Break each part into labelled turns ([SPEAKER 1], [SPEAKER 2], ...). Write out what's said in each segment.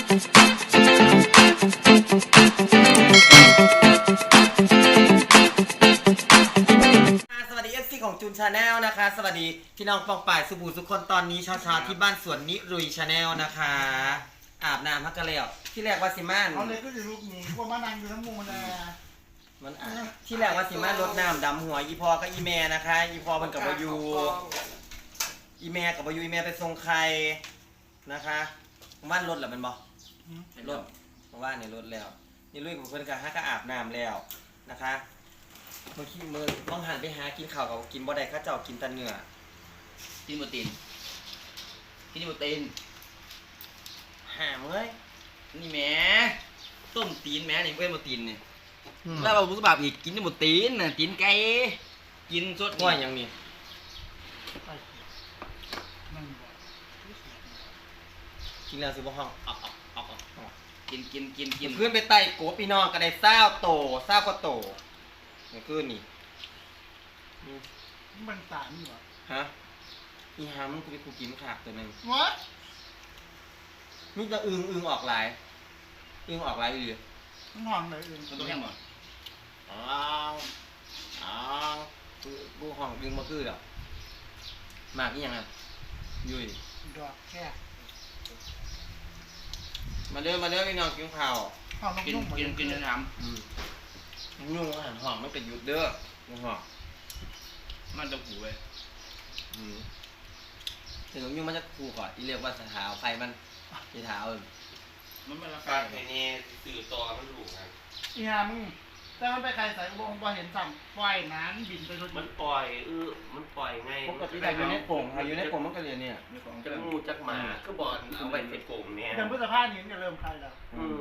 [SPEAKER 1] สวัสดี FC ของจูนชาแนลนะคะสวัสดีพี่น้องปองป่ายสุบูสุกคนตอนนี้เช้าๆที่บ้านสวนนิรุยชาแนลนะคะอาบน้ำพักกันแล้วที่แรกว่าสิมาน
[SPEAKER 2] เขาเลยก็จะลูกหนีพวกมานั่งอยู่ทั้งมุมเลย
[SPEAKER 1] มันที่แรกว่าสิมานรดน้ำดำหัวอีพอกับอีแม่นะคะอีพอมันกับบอยูอีแม่กับบอยูอีแม่ไปส่งใครนะคะว่านรถหรือมันบอรถว่านเนี่ยรถแล้วนี่ลุยกับเพื่อนกันฮะก็อาบน้ำแล้วนะคะเมื่อกี้มือต้องหันไปหากินข้าวกับกินบ่ได้ข้าเจ้ากินแตะเนื้อ
[SPEAKER 3] กินโปรตีนกินโปรตีน
[SPEAKER 1] หาเมื่อย
[SPEAKER 3] นี่แหมต้มตีนแหมนี่เป็นโปรตีนนี่แล้วเราบุษบาบอีกกินโปรตีนน่ะตีนไก่กินสด
[SPEAKER 1] ก้อยยังนี่
[SPEAKER 2] นั่ง
[SPEAKER 1] กินแล้วสิบ่ห้องออก
[SPEAKER 3] กิน
[SPEAKER 1] ขึ้นไปไต่โกพี่น้องก็ได้20 โต20 กว่าโตนี่คือนี่
[SPEAKER 2] มันสารอยู่อ่ะ
[SPEAKER 1] ฮะอีหามึงกูไปกูกินขาดตัวหนึง
[SPEAKER 2] วะ
[SPEAKER 1] นี่จะอึงออกหลายออกหลายอยู่
[SPEAKER 2] มันห่องเลยอื่น
[SPEAKER 3] มันต้องยังบ่
[SPEAKER 1] อ้าวกูห้องอึงมาคือดอกมากอีหยังอ่ะยุ้ย
[SPEAKER 2] ดอกแค่
[SPEAKER 1] มาเด้อพี่น้องกินข้าว
[SPEAKER 2] ห่องน้ำนุ่มหมด
[SPEAKER 3] กินจนท
[SPEAKER 1] ยุ่งอาหารห้องไม่เป็นยุดเด้อยุ่งห้อง
[SPEAKER 3] ำมันจะผูเว้ย
[SPEAKER 1] ถึงยุ่งมันจะคูก่อนอีเรียกว่าสถาไฟมันที่เท้า
[SPEAKER 3] มันเป็นรา
[SPEAKER 4] ปลา
[SPEAKER 3] คา
[SPEAKER 4] ไอ้นี่สื่อต่อมันถูกครับ
[SPEAKER 2] อีหามึงแต่มันไปใครใส่วงพอเห็นสั่งปล่อยน้ำบินไปรถ
[SPEAKER 4] มันปล่อยมันปล่อยไง
[SPEAKER 1] ปกติแต่อยู่ในโป่งค่ะอยู่ในโป่งมันก็เรียนเนี่ย
[SPEAKER 3] มีของ
[SPEAKER 4] จั
[SPEAKER 3] จะ
[SPEAKER 4] กงูจักหมาก็บอลเอาไว้ในกลุ่มเนี่ย
[SPEAKER 2] เดือนพฤษภาคมนี้จะเริ่มใครแล้ว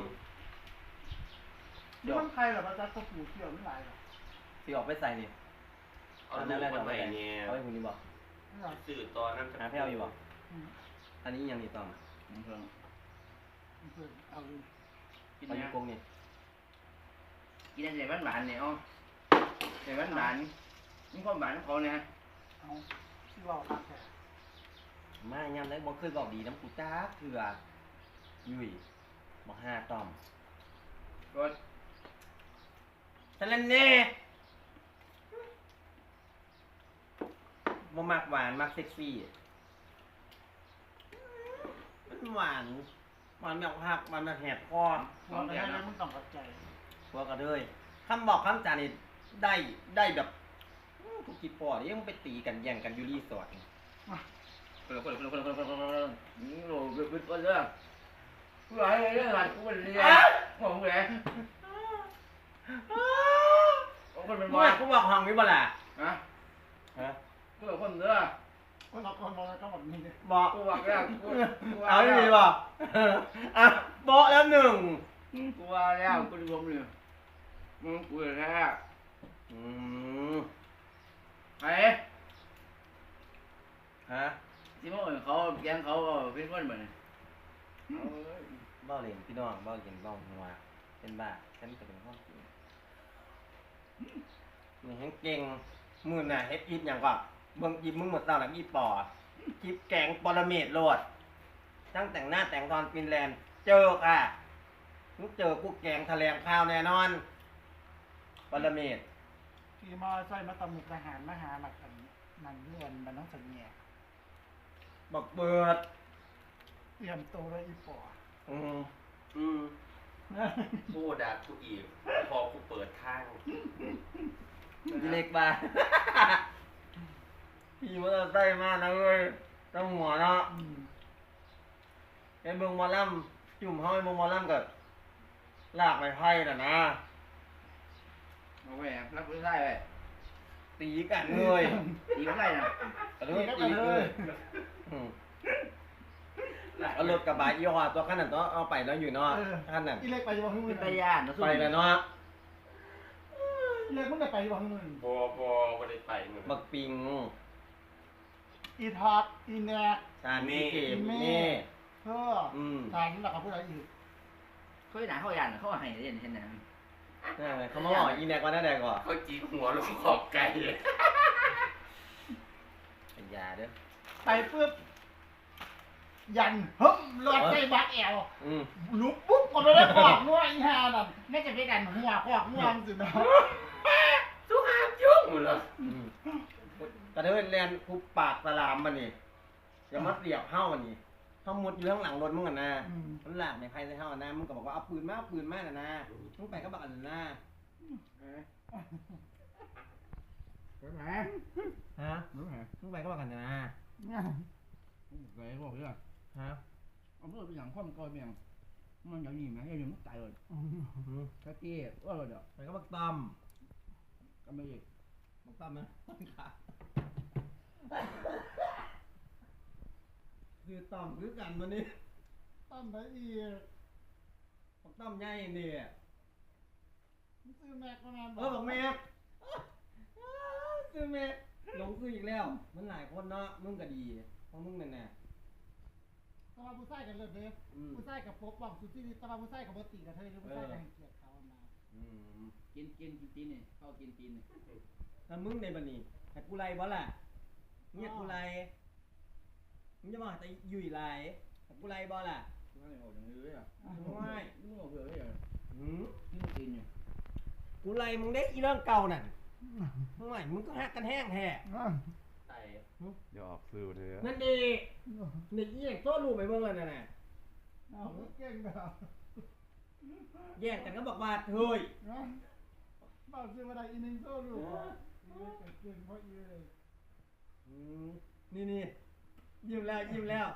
[SPEAKER 2] นี่มันใครเหรอพระจักรก็ผูเที่ยวไม่หลายหรอ
[SPEAKER 1] ที่ออกไปใส่นี่
[SPEAKER 4] เอาลูกมาใหม่เนี่ย
[SPEAKER 1] เอาไปคุณนี่บอก
[SPEAKER 2] ไม่หรอก
[SPEAKER 4] สื่อต่อนั่น
[SPEAKER 1] หาแพ้วอยู่บอกอันนี้ยังนี่ต้อง
[SPEAKER 3] เพิ่ง
[SPEAKER 2] เพื่อนเอาเลย
[SPEAKER 3] กิน
[SPEAKER 1] เอาอยู่
[SPEAKER 3] นะ
[SPEAKER 1] กรงนี่
[SPEAKER 3] กินอะไรหวานๆเนี่ยอ๋อแต่หวานนี่ความหวานของเขาเนี่ย
[SPEAKER 2] เอาที่ว่าคักแค่
[SPEAKER 1] มายังได้บอกเคยบอกดีน้ำกูจ้าเถื่อยุ่ยบอก5 ต่อม
[SPEAKER 3] ก็
[SPEAKER 1] ฉะนั้นเน่บ่มักหวานมักเซ็กซี่มันหวานแบบหักมันแบบแหบคอ
[SPEAKER 2] บอกไปให้มึงต้องเข้าใจ
[SPEAKER 1] พวกกระเทยคำบอกคำจานี่ได้แบบทุกกี่ปอดยังไปตีกันแย่งกันอยูรีสอร์ท
[SPEAKER 3] คนนี่โหเป็นคนเรื่องกูหลายเรื่องหลายกูเป็นเรื่องงงเลยคนเป็น
[SPEAKER 1] กู
[SPEAKER 3] บ้า
[SPEAKER 1] กูบอกห้องนี้บ่ล่ะ
[SPEAKER 3] ฮะ
[SPEAKER 1] ฮะ
[SPEAKER 3] กูเป็นคนเรื่อง
[SPEAKER 2] คนเราคนมองก็แบบนี้
[SPEAKER 1] บอก
[SPEAKER 3] กูว่าแล้วกู
[SPEAKER 1] เอาไม่มีบอกอ่ะโบอกแล้ว1
[SPEAKER 3] กูว่าแล้วกูดูผมเลยมึงกูแท้
[SPEAKER 1] อืม
[SPEAKER 3] ไอ้
[SPEAKER 1] ฮะ
[SPEAKER 3] ที่มึงเขาแกงเขาเป็นคนเหมือน
[SPEAKER 1] เบ้าเหรียญพี่น้องเบ้าเหรียญบ้าหัวเป็นบ้าฉันก็เป็นห้องจริงนี่แห้งเก่งมือน่ะเฮ็ดอีฟอย่างก่อนเบิ่งอีฟมึงหมดตาหลังอีปอคลิปแกงปรเมศโลดทั้งแต่งหน้าแต่งตอนฟินแลนด์เจอค่ะมึงเจอกูแกงแถลงข่าวแน่นอนปรเมศ
[SPEAKER 2] ขี่มอไซค์มาตำหนิทหารมาหาหลักกันนั่งเลื่อนมันต้องสัญญา
[SPEAKER 1] บักเบิด
[SPEAKER 2] เตรียมตัวเลยอีปอ
[SPEAKER 4] ผู้ด่าผู้อีกพอกูเปิดทาง
[SPEAKER 1] เล็กบ้าพี่มอเตอร์ไซค์มานะเว้ยต้องหัวเนาะไอ้เบิ่งหมอลำจุ่มห้อยเบิ่งหมอลำกับลากไม้ไผ่น่ะนะ
[SPEAKER 3] โอเครับผู้ชายเลย
[SPEAKER 1] ตีกันเลย
[SPEAKER 3] ตีผู้ชายนะ
[SPEAKER 1] กระโดดตีเลยเอารถกระบะยี่ห้อตัวขนาดตัวเอาไปแล้วอยู่เนาะขนาด
[SPEAKER 2] อีเล็กไปยังมึง
[SPEAKER 3] เป็นตาญาณนะ
[SPEAKER 1] ไปแล้วเนาะ
[SPEAKER 2] อีเล็กมึงได้ไปยังมึง
[SPEAKER 4] พอไม่ได้ไปมึง
[SPEAKER 1] บักปิง
[SPEAKER 2] อีทอดอีแนก
[SPEAKER 1] ชานี่เกมนี่
[SPEAKER 2] เพื่อทานหลักกับผู้ใดอีก
[SPEAKER 3] เขาหนาเขาญาณเขาให้เล่นเห็นไหม
[SPEAKER 1] เขามาบอกอีแนกว่าได้แดกก่อน
[SPEAKER 4] เขาจีหัวลงขอบไก่
[SPEAKER 1] เป็นยาเด้อ
[SPEAKER 2] ไปปุ๊บยันเฮ้มรถใจบักแอว
[SPEAKER 1] อืม
[SPEAKER 2] ลุกปุ๊บก็ไม่ได้ขอกงัวอีห่านั่นไม่จะไปดันหัวขอกงัวสิเนาะ
[SPEAKER 4] สุขามยุ่งเหรอ
[SPEAKER 1] กระเดินแลนคุบปากสลามมันนี่อย่ามาเสียบเฮ้ามันนี่เขามุดอยู่ข้างหลังรถมึงกันนะมันหลากในใครในเฮ้านะมึงก็บอกว่าเอาปืนมาเอาปืนมาน่ะนะมึงไปก็บักอันนั้นนะ
[SPEAKER 3] ไปไหน
[SPEAKER 1] ฮะ
[SPEAKER 3] ไปไหน
[SPEAKER 1] มึงไปก็บักอันนั้นนะ
[SPEAKER 3] ไปบอกเรื่อง
[SPEAKER 1] ฮะ
[SPEAKER 3] เอาเพื่อไปอย่างข้อมก้อยเมียงมันอย่างนี้ไหมอย่างนี้ตายเลยแค่เกี้ว่าเลยเดี๋ยว
[SPEAKER 1] ไปก็บักต้อม
[SPEAKER 3] ก็ไม่อีก
[SPEAKER 1] บักต้อมนะขาคือต้อมคือกันมันนี่
[SPEAKER 2] ต้นไปอีก
[SPEAKER 1] บักต้อมใหญ่นี่
[SPEAKER 2] มึงซื้อแม็กมานา
[SPEAKER 1] บอกแม่ซื้อแม่หลงซื้ออีกแล้ว มันหลายคนเนาะมึงก็ดีเพราะมึงนั่นน่ะ
[SPEAKER 2] ตะวันผู้ชายกันเลยเด้ ผู้ชายกับปกป้องสุดที่ตะวันผู้ชายกับปกติกับเธอหรือผู้ชายกับให้เกียรติเขานะ
[SPEAKER 3] กินตีนนี่เข้ากินตีนนี่
[SPEAKER 1] ถ้ามึงในบันนี้แต่กูไล่บ่ล่ะเงียบกูไล่มึงจะมาแต่อยู่อีไล่แต่กูไล่บ่ล่ะ
[SPEAKER 3] ข้างในออกอย่างนี้เลยอ่ะ
[SPEAKER 1] ไม่
[SPEAKER 3] มึงออกเผื่อเลยอ่ะ
[SPEAKER 1] หืม
[SPEAKER 3] นี่มันตีนอยู่
[SPEAKER 1] กูไล่มึงได้อีเรื่องเก่านั่นไม่มึงก็หักกันแห้งแท้
[SPEAKER 4] ไต่
[SPEAKER 5] เดี๋ยวออกสื่อเลย
[SPEAKER 1] นั่นดีนี่อีอย่างโซ่ลูกไปเบิ่งแล้วนั่นน่ะ
[SPEAKER 2] เอาเก่งแบบ
[SPEAKER 1] แย่งกันก็บอกว่าเฮ้ย
[SPEAKER 2] บอกซื้อมาได้อีนึงโซ่ลูกเก่งเพราะอีเลย
[SPEAKER 1] นี่ยิ้มแล้วเขินแล้ว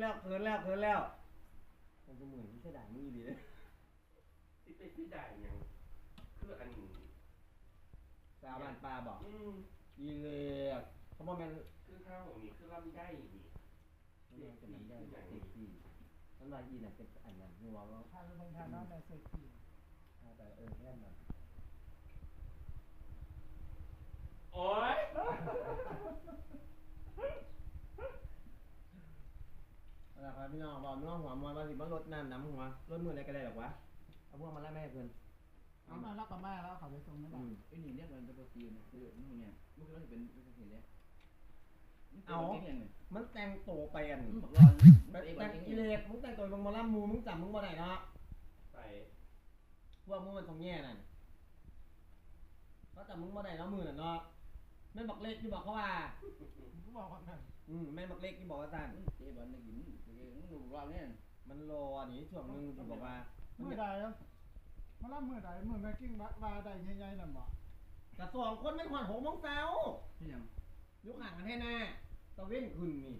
[SPEAKER 1] มันก็เหมือนที่เสยดายมึงอีหลีเลย
[SPEAKER 4] ที่ไปที่ได้ยังคืออัน
[SPEAKER 1] สาวบ้านปลาบอก
[SPEAKER 4] อืม
[SPEAKER 1] อีเลยเขาบอกมัน
[SPEAKER 4] คือข้าวของนี่คือลำได้นี่
[SPEAKER 1] มันเป็นอย่างเซ็กซี่มันว่าอีน่ะเป็นอันนั้นหัวว่า
[SPEAKER 2] พาไปเบิ่งทางน้องแต่เซ็กซี่
[SPEAKER 1] แต่แค่นั้น
[SPEAKER 4] โอ๊ย
[SPEAKER 1] นะครับพี่น้องบอกน้องหัวมวยว่าสิบ่ลดน้ำน้ำหัวลดมืออะไรก็ได้หรอกวะเอาพวกมาไล่แม่เพื่อน
[SPEAKER 2] เอามาแล้วก็มาแล้วเขาไปส่งไม่ได้
[SPEAKER 3] ไอ้นี่เนี่ยมันจะโปรตีนนะคือนู่นเนี่ยมันคือเราเป็นเห็นเลย
[SPEAKER 1] มันแต่งโตไปอัน
[SPEAKER 3] บอกรอน
[SPEAKER 1] แต่งกิเลสมึงแต่งตัวมึงมาล่ำมูมึงจำมึงบ่ได้เนาะ
[SPEAKER 4] ไต่
[SPEAKER 1] พวกมึงมันต้องแย่นั่นเขาจำมึงบ่ได้เนาะมือน่ะเนาะแม่นบักเล็กที่บอกเขาว่า
[SPEAKER 2] กูบอกว่าไง
[SPEAKER 1] แม่นบักเล็กที่บอกว่าสั่น
[SPEAKER 3] เจ๊บอลนักกินมึงดูรอบเนี่ย
[SPEAKER 1] มันรออันนี้ช่วงนึงที่บอกว่า
[SPEAKER 2] มือใดมาล่ามือใดมือแม่กิ้งบาใดใหญ่ๆนั่นบ่
[SPEAKER 1] กระสองคนไม่นหอน6 โมงเช้า
[SPEAKER 3] ที่ยัง
[SPEAKER 1] ยกห่างกันให้หน้าตะเว้นขึ้นนี่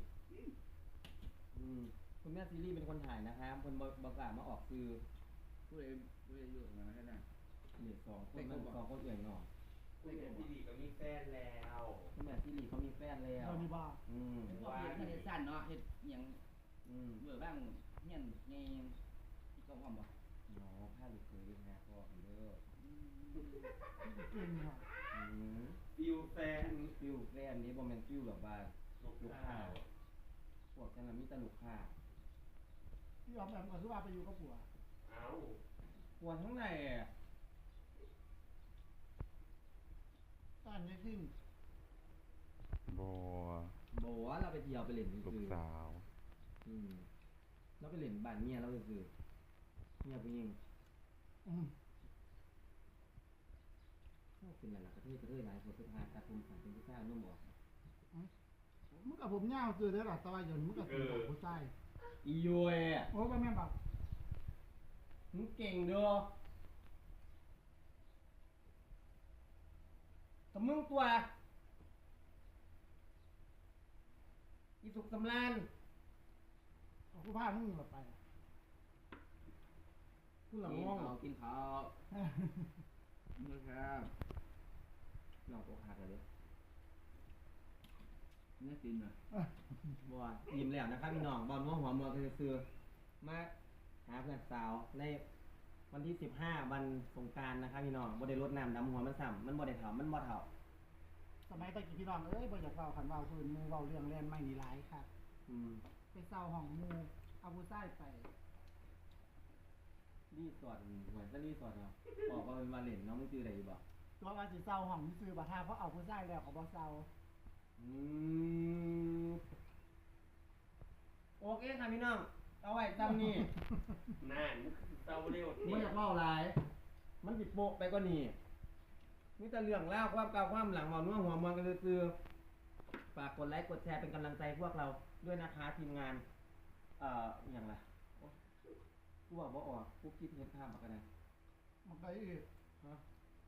[SPEAKER 1] คุณแม่ซีรีส์เป็นคนถ่ายนะครับคนบอกกล้ามาออกซื้อ
[SPEAKER 3] ผู้ใดอยู่ตรงนั้นแค่นั้น
[SPEAKER 1] นี่2 คนนั่น2 คนเอื่อยหน่อ
[SPEAKER 4] คุณเป็นพี่ดีก็มีแฟนแล้ว
[SPEAKER 1] คุณแม่ซีรีส์เขามีแฟนแล้ว
[SPEAKER 2] เรานี่บ้า
[SPEAKER 3] เป็นพวกเฮ็ดสั้นเนาะเฮ็ดอย่าง เบื่อบ้างเงี้ยไงที่เขาความบอก
[SPEAKER 1] น้องผ้าลูกเคยฮะพ่อคุณเด้อ
[SPEAKER 2] เก่งเหรอ
[SPEAKER 4] ฟิวแฟน
[SPEAKER 1] ฟิวแฟนนี้บ่แม่นฟิวหรอกว่า
[SPEAKER 4] ลูกข้าว
[SPEAKER 1] พวกกันน่ะมีแต่ลูกค้า
[SPEAKER 2] พี่ยอมแบบก็คือว่าไปอยู่กับผัว
[SPEAKER 4] เอ้า
[SPEAKER 1] ปวดทั้งใน
[SPEAKER 2] ตอนนี้ขึ้น
[SPEAKER 5] บัว
[SPEAKER 1] บอกว่าเราไปเที่ยวไปเล่น
[SPEAKER 5] ลูก
[SPEAKER 1] คือ
[SPEAKER 5] สาว
[SPEAKER 1] เราไปเล่นบ้านเมียเราคือเมียผู้หญิงเป็นอะไรล่ะกระเทยหลายคนสุดท้ายตัดผมสั่งเป็นผู้ชายนุ่มออก
[SPEAKER 2] มึงกับผมยาวคือเด้อหรอตะวันยนมึงกับผมผู้ชาย
[SPEAKER 1] อีโยเอ
[SPEAKER 2] โอ้ก็แม่บอก
[SPEAKER 1] มึงเก่งเด้อแต่มึงตัวอีสุกสำราน
[SPEAKER 2] กูพามึงแบบไป
[SPEAKER 1] กูหลังง่วง
[SPEAKER 3] กินข้าวนะครับ
[SPEAKER 1] หลอกอกหักเลย
[SPEAKER 3] เนี่ยกินนะ
[SPEAKER 1] บัวยิ้มแล้วนะครับพี่น้องบอลม่วงหัวมัวคือซื้อมาหาเพื่อนสาวในวันที่15วันสงกรานต์นะครับพี่น้องบ่ได้รดน้ำดำหัวมันซ้ำมันบ่ได้เฒ่ามันบ่เฒ่า
[SPEAKER 2] สมัยตะกี้พี่น้องเอ้ยบ่อยากเว้าคันเว้าคืนมูเว้าเรื่องแล่นไม่นี่หลายค่ะไปเศร้าห้องมูเอาผู้ชายไป
[SPEAKER 1] รีสอร์ทเหมือนจะรีสอร์ทเนาะบอกว่าเป็นมาเล่นเนาะมึงชื่ออะไรอยู่บ่
[SPEAKER 2] ตัวว่าสิเศร้าห้องซื้อบัตรทาเพราะเอาผู้ชายแล้วเขาบ่เศร้า
[SPEAKER 1] อืมโอเคค่ะพี่น้องเอาไว้จำนี่
[SPEAKER 4] นั่นเต้าเร็ว
[SPEAKER 1] ไม่อยากเล่าหลาย มันติดโปะไปก็นี่มีแต่เรื่องเล่าความเก่าความหลังหมอนัวหัวมันกันคือฝากกดไลค์กดแชร์เป็นกำลังใจพวกเราด้วยนะคะทีมงานอย่างไรกูบอกว่าออกกูคิดเห็นภาพมากันนะ
[SPEAKER 2] มันไปอีก
[SPEAKER 1] ฮะ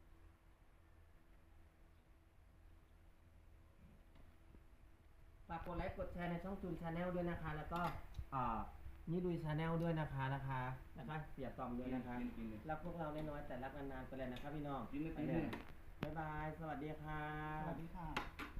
[SPEAKER 1] ฝากกดไลค์กดแชร์ในช่องจูนชาแนลด้วยนะคะ แล้วก็นี่ดูชาแนลด้วยนะคะเสียตอมด้วยนะคะรักพวกเราน้อยๆแต่รักนานๆไปเลยนะคะพี่น้อง
[SPEAKER 3] กิน
[SPEAKER 1] ไป
[SPEAKER 3] กิน
[SPEAKER 1] เล
[SPEAKER 3] เลย ย
[SPEAKER 1] บ๊ายบาย สวัสดีค่ะ
[SPEAKER 2] สวัสดีค่ะ